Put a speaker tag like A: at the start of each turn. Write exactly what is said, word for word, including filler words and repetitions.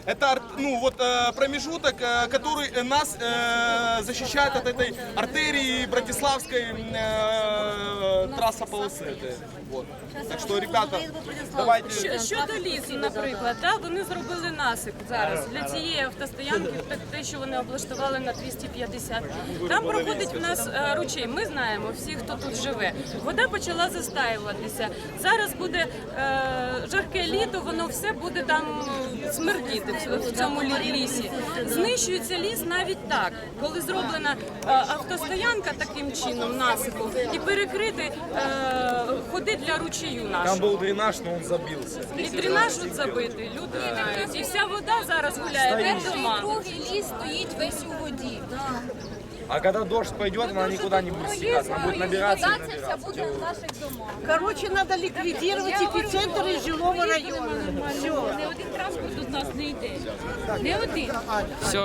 A: Это ну, вот, промежуток, который нас защищает от этой артерии Братиславской трасса полосы. Вот. Так що, ребята, давайте...
B: Що- Щодо лісу, наприклад, да, вони зробили насип зараз для цієї автостоянки, так, те, що вони облаштували на двісті п'ятдесят. Там проходить в нас е, ручей, ми знаємо, всі, хто тут живе. Вода почала застаюватися. Зараз буде е, жарке літо, воно все буде там смердіти в, в цьому лі- лісі. Знищується ліс навіть так, коли зроблена е, автостоянка таким чином, насипом, і перекрити е, ходи для ручею
C: Там
B: нашого.
C: был дренаж, но он забился.
B: І дренаж тут забитий, люди втікають. І вся вода зараз гуляє під дома.
D: Другий ліс стоїть весь у воді.
C: А когда дождь пойдет, она никуда не будет стекаться, она будет набираться и
D: Це
C: набираться.
D: буде в наших домах.
E: Короче, надо ликвидировать эпицентр жилого района. Все.
D: Не один транспорт у нас не йде. Не один.